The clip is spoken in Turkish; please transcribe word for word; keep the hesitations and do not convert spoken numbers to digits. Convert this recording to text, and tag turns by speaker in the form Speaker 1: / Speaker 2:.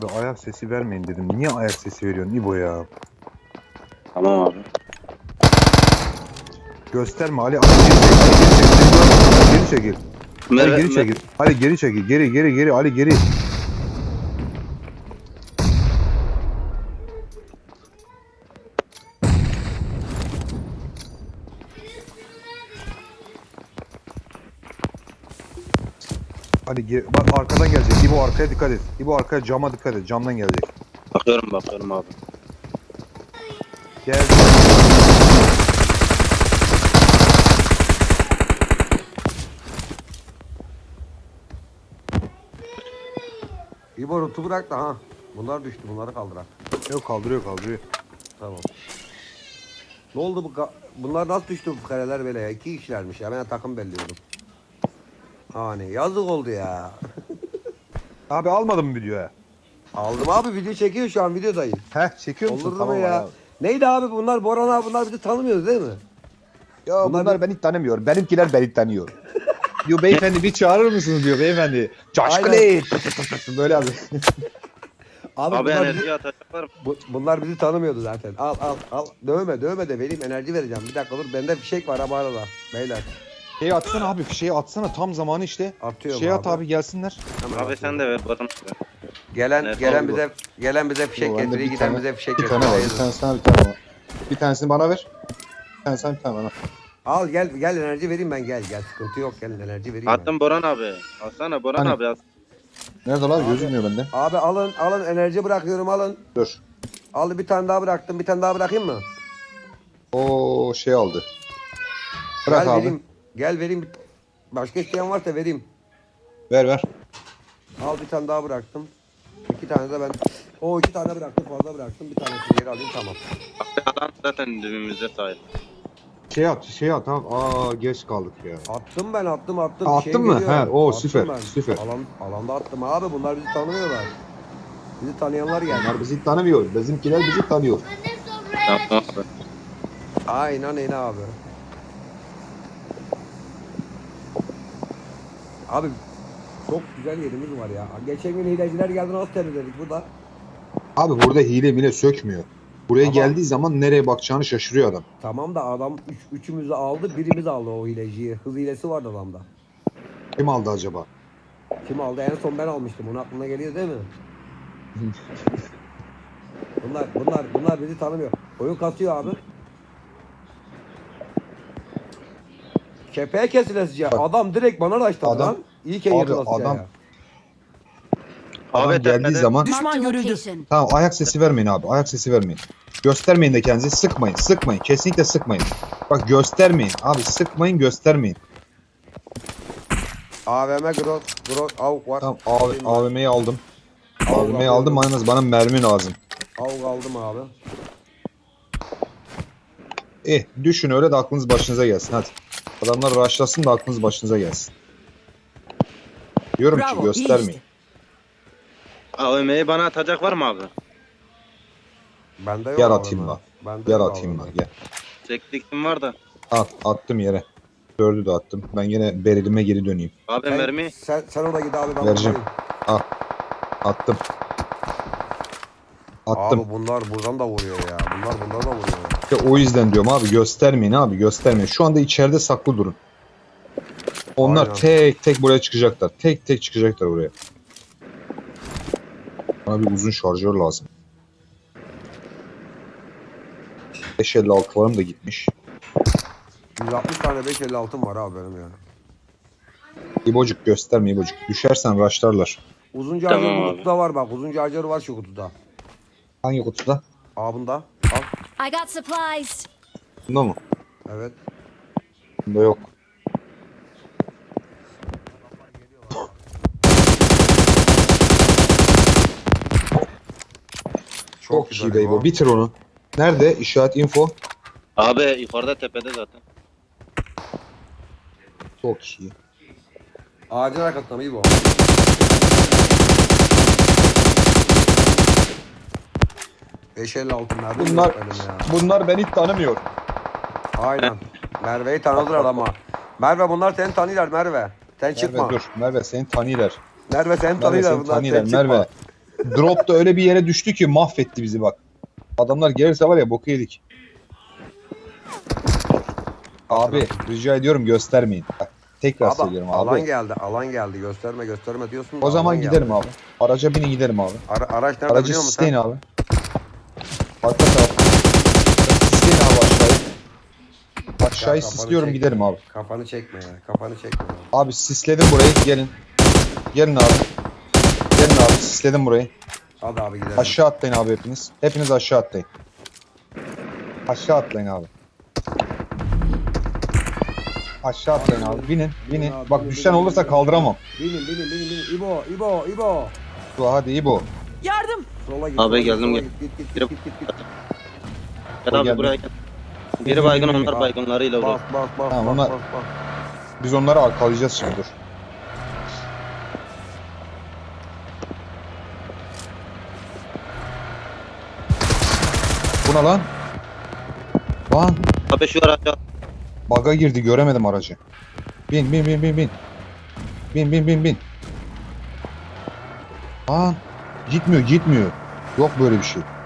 Speaker 1: Ayak sesi vermeyin dedim. Niye ayak sesi veriyorsun İbo ya?
Speaker 2: Tamam abi.
Speaker 1: Gösterme Ali. Ali geri çekil. Ali geri çekil. Ali
Speaker 2: Merve,
Speaker 1: geri çekil. Ali geri çekil. Geri geri geri Ali geri. Ali geri. Bak arkadan gelecek. İbo arkaya dikkat et. İbo arkaya cama dikkat et. Camdan gelecek.
Speaker 2: bakıyorum bakıyorum abi.
Speaker 1: Gel.
Speaker 3: İbo rutu bırak da ha. Bunlar düştü, bunları kaldırak.
Speaker 1: Yok kaldırıyor kaldırıyor.
Speaker 3: Tamam. Ne oldu bu ka- bunlar nasıl düştü bu kareler böyle ya? İki kişilermiş ya, ben takım belliyordum. Hani yazık oldu ya.
Speaker 1: Abi almadın mı videoya?
Speaker 3: Aldım abi, video çekiyor şu an, videodayım.
Speaker 1: Heh çekiyor musun?
Speaker 3: Olur mu
Speaker 1: Tamam
Speaker 3: ya?
Speaker 1: abi.
Speaker 3: Neydi abi bunlar, Boran abi, bunlar bizi tanımıyoruz değil mi?
Speaker 1: Ya
Speaker 3: Bunlar
Speaker 1: bunlar,
Speaker 3: bir-
Speaker 1: beni tanımıyor. Benimkiler beni tanıyor. Diyor beyefendi bir çağırır mısınız diyor beyefendi. Coşkun
Speaker 3: Aynen.
Speaker 1: et. Böyle abi.
Speaker 3: Abi,
Speaker 2: Abi
Speaker 3: bunlar, bizi,
Speaker 2: enerji atacaklar mı?
Speaker 3: bu- bunlar bizi tanımıyordu zaten. Al al al. Dövme dövme de vereyim, enerji vereceğim. Bir dakika dur, bende fişek var abi arada. Beyler.
Speaker 1: Şeyi atsana abi fişeği atsana tam zamanı işte.
Speaker 3: Atıyorum
Speaker 1: Şey at
Speaker 3: abi.
Speaker 1: abi gelsinler.
Speaker 3: Hemen
Speaker 2: Abi
Speaker 3: atıyorum.
Speaker 2: sen de ver bana.
Speaker 3: Gelen
Speaker 2: Evet,
Speaker 3: gelen
Speaker 1: abi bu.
Speaker 3: bize gelen bize fişek
Speaker 1: Yo, bende
Speaker 3: getiriyor,
Speaker 1: bir
Speaker 3: giden
Speaker 1: tane-
Speaker 3: bize fişek
Speaker 1: Bir
Speaker 3: getiriyor.
Speaker 1: tane var. Bir
Speaker 3: Hayırdır?
Speaker 1: tane sana bir tane var. Bir tanesini bana ver. Bir tanesini bir tane bana.
Speaker 3: Al gel gel, enerji vereyim ben, gel gel, sıkıntı yok, gel enerji vereyim ben.
Speaker 2: Attım Boran abi. Alsana Boran
Speaker 1: Hani?
Speaker 2: abi al.
Speaker 1: Nerede lan?
Speaker 3: Abi.
Speaker 1: Gözükmüyor bende.
Speaker 3: Abi alın alın, enerji bırakıyorum, alın.
Speaker 1: Dur.
Speaker 3: Al, bir tane daha bıraktım, bir tane daha bırakayım mı?
Speaker 1: O şey aldı. Bırak
Speaker 3: gel
Speaker 1: abi.
Speaker 3: vereyim. Gel vereyim. Başka isteyen varsa vereyim.
Speaker 1: Ver ver.
Speaker 3: Al, bir tane daha bıraktım. İki tane de ben. O iki tane bıraktım, fazla bıraktım. Bir tanesini geri alayım, tamam.
Speaker 2: Abi adam zaten dibimizde sahip.
Speaker 1: Şey at, şey at abi. Aa geç kaldık ya.
Speaker 3: Attım ben, attım attım.
Speaker 1: Ha,
Speaker 3: Bir şey
Speaker 1: attın mı?
Speaker 3: geliyor.
Speaker 1: He, o
Speaker 3: Attım
Speaker 1: süper,
Speaker 3: ben.
Speaker 1: süper.
Speaker 3: Alan, alanda attım abi, bunlar bizi tanımıyorlar. Bizi tanıyanlar geldi.
Speaker 1: Bunlar bizi tanımıyor. Bizimkiler bizi tanıyor.
Speaker 2: Tamam abi.
Speaker 3: Aynen öyle abi. Abi çok güzel yerimiz var ya. Geçen gün hileciler geldi, nasıl temizledik burada?
Speaker 1: Abi burada hile bile sökmüyor. Buraya
Speaker 3: Ama-
Speaker 1: geldiği zaman nereye bakacağını şaşırıyor adam.
Speaker 3: Tamam da adam üç, üçümüzü aldı, birimiz aldı o hileciyi. Hız hilesi vardı adamda.
Speaker 1: Kim aldı acaba?
Speaker 3: Kim aldı? En son ben almıştım. Onun aklına geliyor değil mi? Bunlar bunlar bunlar bizi tanımıyor. Oyun kasıyor abi. Kepeğe kesilesice. Adam direkt bana raşladı
Speaker 1: Adam-
Speaker 3: lan. İyi ki
Speaker 1: Abi
Speaker 3: yırtılasıca
Speaker 1: adam-
Speaker 3: ya.
Speaker 1: Adam
Speaker 2: Abi
Speaker 1: geldiği
Speaker 2: tepede-
Speaker 1: zaman
Speaker 4: Düşman görüldü.
Speaker 5: Location.
Speaker 1: tamam ayak sesi vermeyin abi. Ayak sesi vermeyin. Göstermeyin de kendinizi. Sıkmayın. Sıkmayın. Kesinlikle sıkmayın. Bak göstermeyin. Abi sıkmayın göstermeyin.
Speaker 3: A V M Grok Grok avuk var.
Speaker 1: Tamam A V M'yi aldım.
Speaker 3: Avuk
Speaker 1: A V M'yi aldım. Yalnız bana mermi lazım.
Speaker 3: Avuk aldım abi.
Speaker 1: Eh düşün öyle de aklınız başınıza gelsin hadi. Adamlar rushlasın da aklınız başınıza gelsin. Diyorum ki
Speaker 4: Bravo, iyi
Speaker 1: göstermeyin.
Speaker 4: işte.
Speaker 2: A V M'yi bana atacak var mı abi?
Speaker 3: Bende yok.
Speaker 1: Gel
Speaker 3: A V M.
Speaker 1: atayım bak.
Speaker 3: Bende
Speaker 1: Gel
Speaker 3: yok
Speaker 1: atayım
Speaker 3: A V M.
Speaker 1: bak gel.
Speaker 2: Çektiktim var da.
Speaker 1: At, attım yere. Dördü de attım. Ben yine berilime geri döneyim.
Speaker 2: Abi
Speaker 3: Sen,
Speaker 2: mermi.
Speaker 3: sen, sen orada git abi, ben
Speaker 1: Vereceğim.
Speaker 3: buradayım.
Speaker 1: Attım. Attım.
Speaker 3: Abi bunlar buradan da vuruyor ya. Bunlar bundan da vuruyor ya.
Speaker 1: İşte o yüzden diyorum abi göstermeyin abi göstermeyin. Şu anda içeride saklı durun. Onlar
Speaker 3: Aynen.
Speaker 1: tek tek buraya çıkacaklar. Tek tek çıkacaklar buraya. Bana bir uzun şarjör lazım. beş elli altılarım da gitmiş.
Speaker 3: yüz altmış tane beş elli altım var abi benim ya.
Speaker 1: İbocuk gösterme İbocuk. Düşersen raşlarlar.
Speaker 3: Uzun charger
Speaker 2: Tamam
Speaker 3: bu
Speaker 2: abi.
Speaker 3: kutuda var bak. Uzun charger var şu kutuda.
Speaker 1: Hangi kutuda?
Speaker 3: Abında. Al.
Speaker 5: I got supplies.
Speaker 1: Bunda mı?
Speaker 3: Evet.
Speaker 1: Bunda yok. Çok
Speaker 3: güzel
Speaker 1: iyi be İbo. Bitir onu. Nerede? İşaret info.
Speaker 2: Abi yukarıda tepede zaten.
Speaker 1: Çok iyi.
Speaker 3: Ağacın arkasında mı iyi bu? beş elli altı mermi
Speaker 1: Bunlar
Speaker 3: yok benim ya.
Speaker 1: bunlar beni tanımıyor.
Speaker 3: Aynen. Merve'yi tanıdılar ama. Merve bunlar seni tanıyorlar Merve. Sen çıkma.
Speaker 1: Merve dur. Merve seni tanıyorlar.
Speaker 3: Merve seni
Speaker 1: Merve
Speaker 3: tanıyorlar
Speaker 1: seni
Speaker 3: bunlar.
Speaker 1: tanıyorlar.
Speaker 3: Sen çıkma.
Speaker 1: Merve. Drop da öyle bir yere düştü ki mahvetti bizi bak. Adamlar gelirse var ya boku yedik. Abi rica ediyorum göstermeyin. Bak, tekrar
Speaker 3: Abi,
Speaker 1: söylüyorum abi.
Speaker 3: alan geldi, alan geldi. Gösterme, gösterme diyorsun da
Speaker 1: O zaman
Speaker 3: alan
Speaker 1: gidelim
Speaker 3: geldi.
Speaker 1: abi. Araca binin gidelim abi.
Speaker 3: Ara, araç nerede
Speaker 1: Aracı
Speaker 3: biliyor musun
Speaker 1: sisleyin
Speaker 3: sen?
Speaker 1: abi. Arka taraf. Sisleyin abi aşağıyı. Aşağıyı
Speaker 3: kafanı
Speaker 1: sisliyorum
Speaker 3: çek.
Speaker 1: giderim abi.
Speaker 3: Kafanı çekme ya, kafanı çekme ya.
Speaker 1: Abi sisledim burayı gelin. Gelin abi. Gelin abi sisledim burayı.
Speaker 3: Hadi abi gidelim.
Speaker 1: Aşağı atlayın abi hepiniz. Hepiniz aşağı atlayın. Aşağı atlayın abi. Aşağı atlayın abi. Binin, binin.
Speaker 3: abi,
Speaker 1: Bak
Speaker 3: binin,
Speaker 1: düşen
Speaker 3: binin,
Speaker 1: olursa
Speaker 3: binin.
Speaker 1: kaldıramam.
Speaker 3: Binin, binin, binin, binin. İbo, İbo, İbo.
Speaker 1: Dur hadi İbo.
Speaker 4: Yardım!
Speaker 3: Sola git.
Speaker 2: Abi
Speaker 3: sola git,
Speaker 2: geldim,
Speaker 3: sola
Speaker 2: gel.
Speaker 3: Git, git, git,
Speaker 2: Biri-
Speaker 3: git, git, git.
Speaker 2: Gel
Speaker 1: O
Speaker 2: abi
Speaker 1: geldi.
Speaker 2: buraya gel. Biri baygın onlar baygınlarıyla
Speaker 3: Bas,
Speaker 2: olur.
Speaker 3: bas, bas,
Speaker 1: Tamam,
Speaker 3: bas,
Speaker 1: onlar-
Speaker 3: bas, bas.
Speaker 1: Biz onları arkalayacağız şimdi dur. Bu ne lan? Lan
Speaker 2: Abi şu araca
Speaker 1: baga girdi göremedim aracı. Bin bin bin bin bin. Bin bin bin bin. Lan gitmiyor gitmiyor. Yok böyle bir şey.